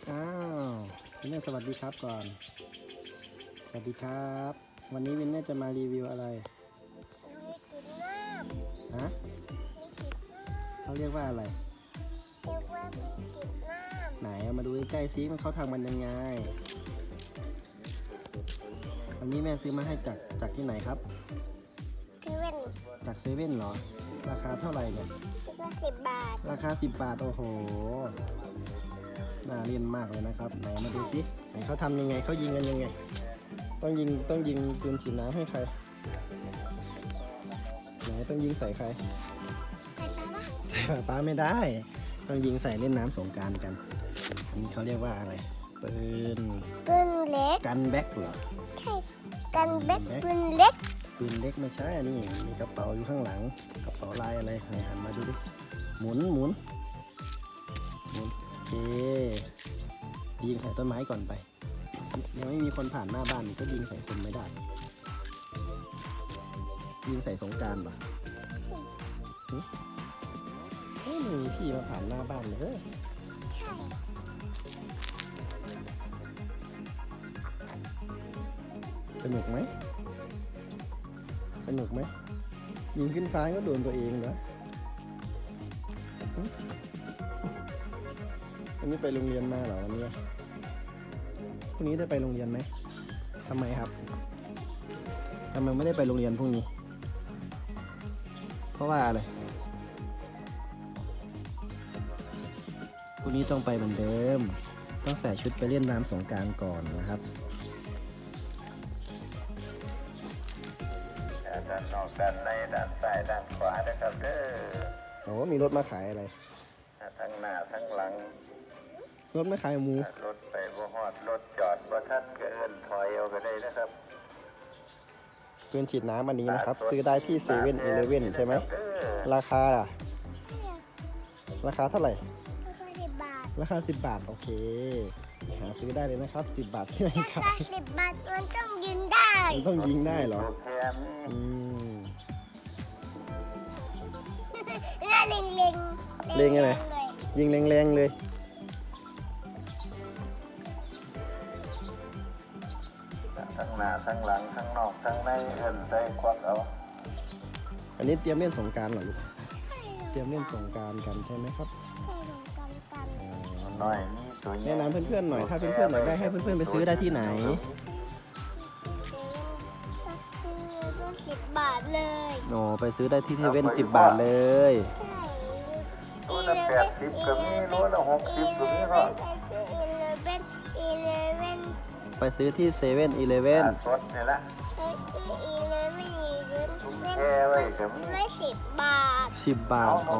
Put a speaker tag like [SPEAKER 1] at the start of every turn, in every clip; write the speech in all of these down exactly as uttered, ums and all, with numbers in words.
[SPEAKER 1] อ้าววินเนอร์สวัสดีครับก่อนสวัสดีครับวันนี้วินเนอร์จะมารีวิวอะไร
[SPEAKER 2] มีกลิ่นมาก
[SPEAKER 1] ฮะเขาเรียกว่าอะไร
[SPEAKER 2] เรียกว่ามีกลิ่นมาก
[SPEAKER 1] ไหนเอามาดูใกล้ๆซิมันเขาทำมันยังไงวันนี้แม่ซื้อมาให้จากจากที่ไหนครับ
[SPEAKER 2] เซเว่น
[SPEAKER 1] จากเซเว่นเหรอราคาเท่าไหร่เนี่ย
[SPEAKER 2] คิดว่าสิบบาท
[SPEAKER 1] ราคาสิบบาทโอ้โหน่าเล่นมากเลยนะครับไหนมาดูสิไหนเขาทำยังไงเขายิงกันยังไงต้องยิงต้องยิงปืนฉีดน้ำให้ใครไหนต้องยิงใส่ใคร
[SPEAKER 2] ใส่ปลาปะ
[SPEAKER 1] ใส่ป้าไม่ได้ต้องยิงใส่เล่นน้ำสงกรานต์กันอันนี้เขาเรียกว่าอะไรปืน
[SPEAKER 2] ปืนเล็ก
[SPEAKER 1] กันแบ็กเหรอ
[SPEAKER 2] ใช่กันแบ็กปืนเล็ก
[SPEAKER 1] ปืนเล็กไม่ใช่อันนี้มีกระเป๋าอยู่ข้างหลังกระเป๋าลายอะไรหันมาดูดิหมุนหมุนหมุนโอเคยิงใส่ต้นไม้ก่อนไปยังไม่มีคนผ่านหน้าบ้านก็ยิงใส่คนไม่ได้ยิงใส่สงกรานต์ป่ะเฮ้ยมีพี่มาผ่านหน้าบ้านเลย
[SPEAKER 2] ใช่
[SPEAKER 1] สนุกไหมสนุกไหมยิงขึ้นฟ้าก็โดนตัวเองเหรอวันนี้ไปโรงเรียนมาเหรอวันนี้พรุ่งนี้ได้ไปโรงเรียนไหมทำไมครับทำไมไม่ได้ไปโรงเรียนพรุ่งนี้เพราะว่าอะไรพรุ่งนี้ต้องไปเหมือนเดิมต้องใส่ชุดไปเล่นน้ำสงกรานต์ก่อนนะครับ
[SPEAKER 3] ด้านนอกด้านในด้านซ้ายด้านขวานะครับเด้อ
[SPEAKER 1] โอ้มีรถมาขายอะไร
[SPEAKER 3] ทั้งหน้าทั้งหลัง
[SPEAKER 1] รถไม่ขายหมู
[SPEAKER 3] รถไปบ่ฮอดรถจอดบ่ทันก็เอิ้นถอยเอาก็ได้นะครับ
[SPEAKER 1] ปืนฉีดน้ำอันนี้นะครับซื้อได้ที่เซเว่นอีเลฟเว่นใช่ไหมราคาล่ะราคาเท่าไหร่
[SPEAKER 2] ราคาสิบบาท
[SPEAKER 1] ราคาสิบบาทโอเคหาซื้อได้เลยนะครับสิบบาทที่ไหนครับ
[SPEAKER 2] ราคาสิบบาทมันต้องยิงได้
[SPEAKER 1] มันต้องยิงได้เหรออืม
[SPEAKER 2] น่าเล็งเล็ง
[SPEAKER 1] เล็งอะไรยิงแรงๆเลย
[SPEAKER 3] ทั้งหน้าทั้งหลังทั้งนอกทั้งในเอิ้นใส่ควักเอา
[SPEAKER 1] อันนี้เตรียมเล่นสงกรานต์เหรอลูกเตรียมเล่นสงกรานต์กันใช่ไหมครับ
[SPEAKER 2] ใช่สงกรานต์กัน
[SPEAKER 3] น้อยนี่สวย
[SPEAKER 1] แนะนำเพื่อนๆหน่อยถ้าเพื่อนๆอยากได้ให้เพื่อนๆไปซื้อได้ที่ไหน
[SPEAKER 2] สิบบาทเลย
[SPEAKER 1] โอ้ไปซื้อได้ที่เซเว่นสิบบาทเลย
[SPEAKER 2] ใช่
[SPEAKER 3] โลละแปดสิบก็มีโลละหกสิบก็มีก็
[SPEAKER 1] ไปซื้อที่เซเว่นอีเลฟเว่น
[SPEAKER 3] สดนี่ละ
[SPEAKER 2] อีเลฟเว่นอีเลฟเว่น
[SPEAKER 3] แค่ไว้ก็มี
[SPEAKER 2] ได้สิบบาท
[SPEAKER 1] สิบบาทอ๋อ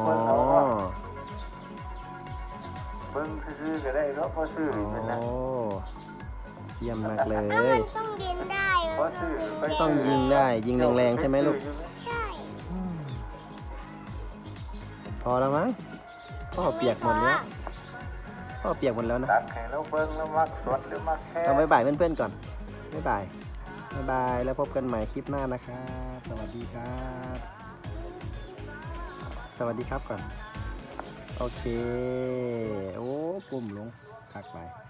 [SPEAKER 3] เบิ่งซื้อก็ได้เนาะพอซื้อเป็นนะ
[SPEAKER 1] เยี่ยมมากเลย
[SPEAKER 2] ต้องยิงได้
[SPEAKER 1] ต้องยิงได้ยิงแรงๆใช่ไหมลูก
[SPEAKER 2] ใช่
[SPEAKER 1] พอแล้วมั้งพ่อเปียกหมดแล้วพ่อเปียกหมดแล้วนะ
[SPEAKER 3] ตักให้เราเบิ่งแล้วมักสดหรือมักแค่
[SPEAKER 1] ต้องบ๊ายบายเพื่อนๆก่อนบ๊ายบายบ๊ายบายแล้วพบกันใหม่คลิปหน้านะครับสวัสดีครับสวัสดีครับก่อนโอเคโอ้กลุ่มลงคักไป